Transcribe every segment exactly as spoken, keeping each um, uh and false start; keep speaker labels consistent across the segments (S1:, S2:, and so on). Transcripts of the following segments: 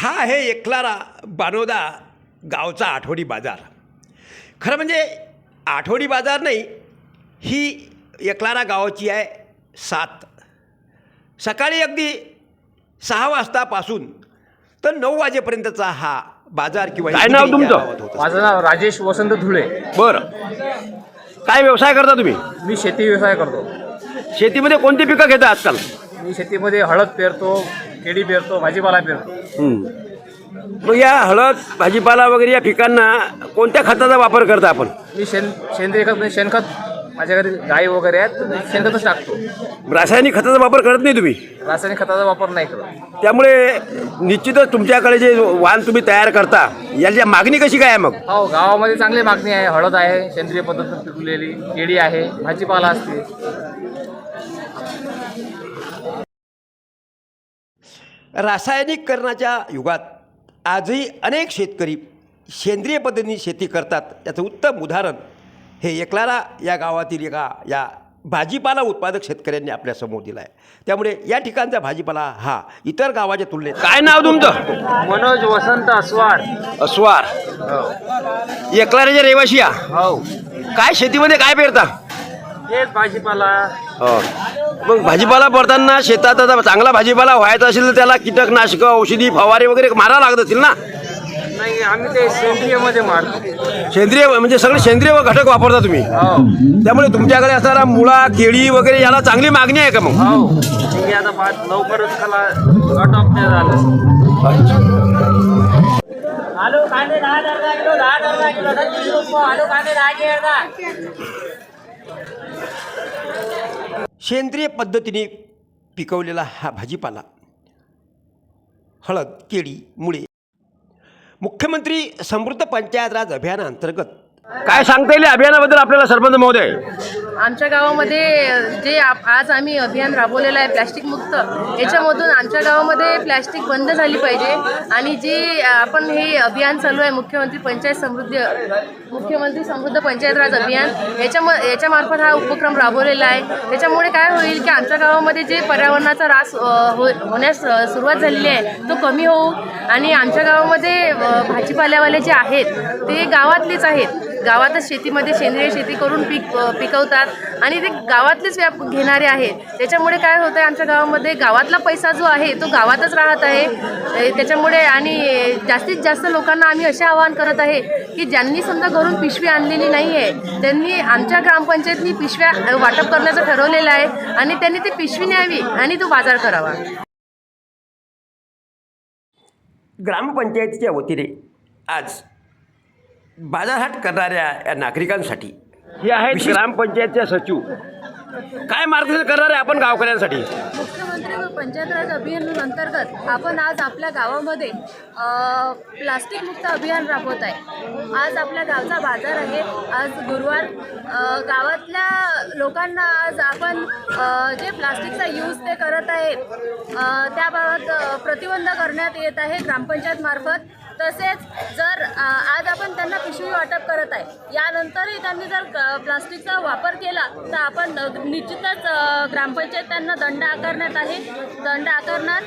S1: हा आहे एकलारा बानोदा गावचा आठवडी बाजार. खरं म्हणजे आठवडी बाजार नाही, ही एकलारा गावाची आहे सात. सकाळी अगदी सहा वाजतापासून तर नऊ वाजेपर्यंतचा हा बाजार किंवा
S2: काय नाव तुमचं?
S3: माझं नाव राजेश वसंत धुळे.
S2: बरं, काय व्यवसाय करता तुम्ही?
S3: मी शेती व्यवसाय करतो.
S2: शेतीमध्ये कोणती पिकं घेता आजकाल?
S3: मी शेतीमध्ये हळद पेरतो, केळी पेरतो, भाजीपाला पेरतो.
S2: मग या हळद भाजीपाला वगैरे या पिकांना कोणत्या खताचा वापर करता आपण?
S3: मी शेण सेंद्रिय खत म्हणजे शेणखत, माझ्या घरी गाई वगैरे आहेत तर शेणखतच टाकतो.
S2: रासायनिक खताचा वापर करत नाही तुम्ही?
S3: रासायनिक खताचा वापर नाही करत.
S2: त्यामुळे निश्चितच तुमच्याकडे जे वाण तुम्ही तयार करता याची मागणी कशी काय आहे मग?
S3: हो, गावामध्ये चांगली मागणी आहे. हळद आहे, सेंद्रिय पद्धतीने पिकवलेली, केळी आहे, भाजीपाला असते.
S1: रासायनिककरणाच्या युगात आजही अनेक शेतकरी सेंद्रिय पद्धतीने शेती करतात. त्याचं उत्तम उदाहरण हे एकलारा या गावातील एका या भाजीपाला उत्पादक शेतकऱ्यांनी आपल्यासमोर दिला आहे. त्यामुळे या ठिकाणचा भाजीपाला हा इतर गावाच्या तुलनेत.
S2: काय नाव तुमचं?
S3: मनोज वसंत अस्वार.
S2: अस्वार. एकलाऱ्याचे रहिवाशी या.
S3: हो,
S2: काय शेतीमध्ये काय पेरता?
S3: हेच भाजीपाला.
S2: हो, मग भाजीपाला पेरताना शेतात आता चांगला भाजीपाला व्हायचा असेल तर त्याला कीटकनाशक, औषधी, फवारे वगैरे मारावं लागत असतील ना?
S3: नाही, आम्ही ते सेंद्रियमध्ये मारतो.
S2: सेंद्रिय म्हणजे सगळे सेंद्रिय घटक वापरता तुम्ही?
S3: हो.
S2: त्यामुळे तुमच्याकडे असणारा मुळा, केळी वगैरे याला चांगली मागणी आहे का मग?
S3: हो, ठीक आहे. आता पाच लवकरच त्याला कट ऑफ ते झालं.
S4: आलू कांदे दहा दर्जा किलो, दहा दर्जा किलो, तीस रुपये. आलू कांदे दहा के अर्धा.
S1: सेंद्रिय पद्धतीने पिकवलेला हा भाजीपाला, हळद, केळी, मुळे मुख्यमंत्री समृद्ध पंचायत राज अभियानाअंतर्गत
S2: काय सांगता येईल अभियानाबद्दल आपल्याला सरपंच महोदय?
S5: आमच्या गावामध्ये जे आप आज आम्ही अभियान राबवलेलं आहे प्लॅस्टिक मुक्त, याच्यामधून आमच्या गावामध्ये प्लॅस्टिक बंद झाली पाहिजे. आणि जे आपण हे अभियान चालू आहे मुख्यमंत्री पंचायत समृद्धी मुख्यमंत्री समृद्ध पंचायत राज अभियान, याच्याम याच्यामार्फत हा उपक्रम राबवलेला आहे. त्याच्यामुळे काय होईल की आमच्या गावामध्ये जे पर्यावरणाचा ऱ्हास हो होण्यास सुरुवात झालेली आहे तो कमी होऊ. आणि आमच्या गावामध्ये भाजीपाल्यावाले जे आहेत ते गावातलेच आहेत, गावातच शेतीमध्ये सेंद्रिय शेती करून पीक पिकवतात आणि ते गावातलेच व्याप घेणारे आहेत. त्याच्यामुळे काय होतं आहे, आमच्या गावामध्ये गावातला पैसा जो आहे तो गावातच राहत आहे. त्याच्यामुळे आणि जास्तीत जास्त लोकांना आम्ही असे आवाहन करत आहे की ज्यांनी समजा घरून पिशवी आणलेली नाही आहे त्यांनी आमच्या ग्रामपंचायतनी पिशव्या वाटप करण्याचं ठरवलेलं आहे आणि त्यांनी ती पिशवी न्यावी आणि तो बाजार करावा.
S1: ग्रामपंचायतीच्या वतीने आज बाजारहाट करणाऱ्या या नागरिकांसाठी
S2: हे आहेत ग्रामपंचायतच्या सचिव. काय मार्गदर्शन करणार आहे आपण गावकऱ्यांसाठी?
S5: मुख्यमंत्री व पंचायत राज अभियान अंतर्गत आपण आज आपल्या गावामध्ये प्लास्टिक मुक्त अभियान राबवत आहे. आज आपल्या गावचा बाजार आहे. आज गुरुवार. गावातल्या लोकांना आज आपण जे प्लास्टिकचा यूज ते करत आहेत त्याबाबत प्रतिबंध करण्यात येत आहे ग्रामपंचायत मार्फत. तसेच जर आज आपण त्यांना पिशवी वाटप करत आहे, यानंतरही त्यांनी जर प्लास्टिकचा वापर केला तर आपण निश्चितच ग्रामपंचायत त्यांना दंड आकारण्यात आहे दंड आकारणार.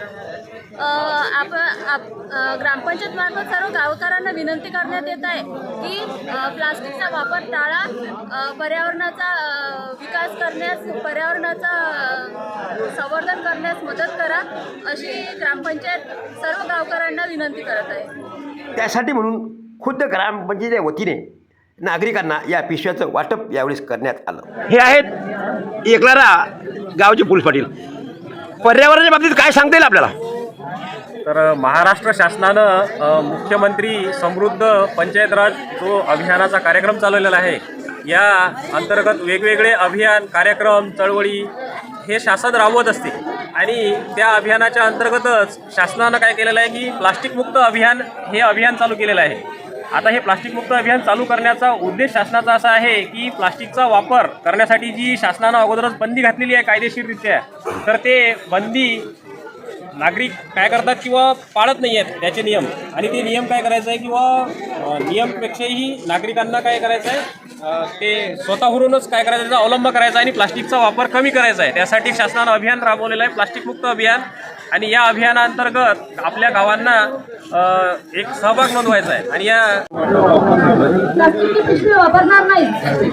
S5: आप आप ग्रामपंचायत मार्फत सर्व गावकऱ्यांना विनंती करण्यात येत आहे की प्लास्टिकचा वापर टाळा, पर्यावरणाचा विकास करण्यास, पर्यावरणाचा संवर्धन करण्यास मदत करा, अशी ग्रामपंचायत सर्व गावकऱ्यांना विनंती करत आहे.
S1: त्यासाठी म्हणून खुद्द ग्रामपंचायतीच्या वतीने नागरिकांना या पिशव्याचं वाटप यावेळेस करण्यात आलं.
S2: हे आहेत एकलारा गावचे पोलीस पाटील. पर्यावरणाच्या बाबतीत काय सांगता येईल आपल्याला?
S3: तर महाराष्ट्र शासनानं मुख्यमंत्री समृद्ध पंचायत राज जो अभियानाचा कार्यक्रम चालवलेला आहे, या अंतर्गत वेगवेगळे अभियान, कार्यक्रम, चळवळी हे शासन राबवत असते. आणि त्या अभियानाच्या अंतर्गतच शासनानं काय केलेलं आहे की प्लास्टिक मुक्त अभियान हे अभियान चालू केलेलं आहे. आता हे प्लास्टिक मुक्त अभियान चालू करण्याचा उद्देश शासनाचा असा आहे की प्लास्टिकचा वापर करण्यासाठी जी शासनानं अगोदरच बंदी घातलेली आहे कायदेशीररित्या, तर ते बंदी नागरिक काय करतात किंवा पाळत नाही आहेत त्याचे नियम. आणि ते नियम काय करायचं आहे किंवा नियमपेक्षाही नागरिकांना काय करायचं आहे ते स्वतःहूनच काय करायचं त्याचा अवलंब करायचा आणि प्लास्टिकचा वापर कमी करायचा आहे. त्यासाठी शासनानं अभियान राबवलेलं आहे प्लास्टिक मुक्त अभियान. आणि या अभियानाअंतर्गत आपल्या गावांना अ, एक सहभाग नोंदवायचा आहे. आणि या
S5: प्लास्टिकची पिशवी वापरणार नाही.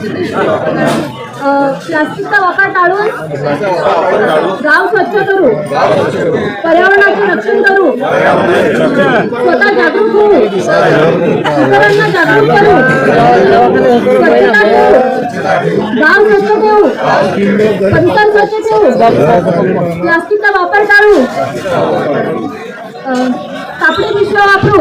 S5: प्लास्टिकचा वापर टाळून गाव स्वच्छ करू, पर्यावरणाचे रक्षण करू, स्वतः जागरूक होऊ, इतरांना जागरूक करू, स्वच्छता ठेवू, गाव स्वच्छ ठेवू, परिसर स्वच्छ ठेवू, प्लास्टिकचा वापर टाळू, अ, कापडी पिशव्या वापरू,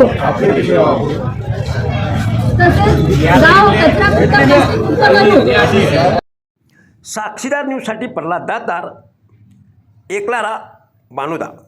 S5: तसेच गाव कचरामुक्त प्लास्टिक मुक्त करू.
S1: साक्षीदार न्यूजसाठी प्रल्हाद दातार, एकलारा, बानोदा.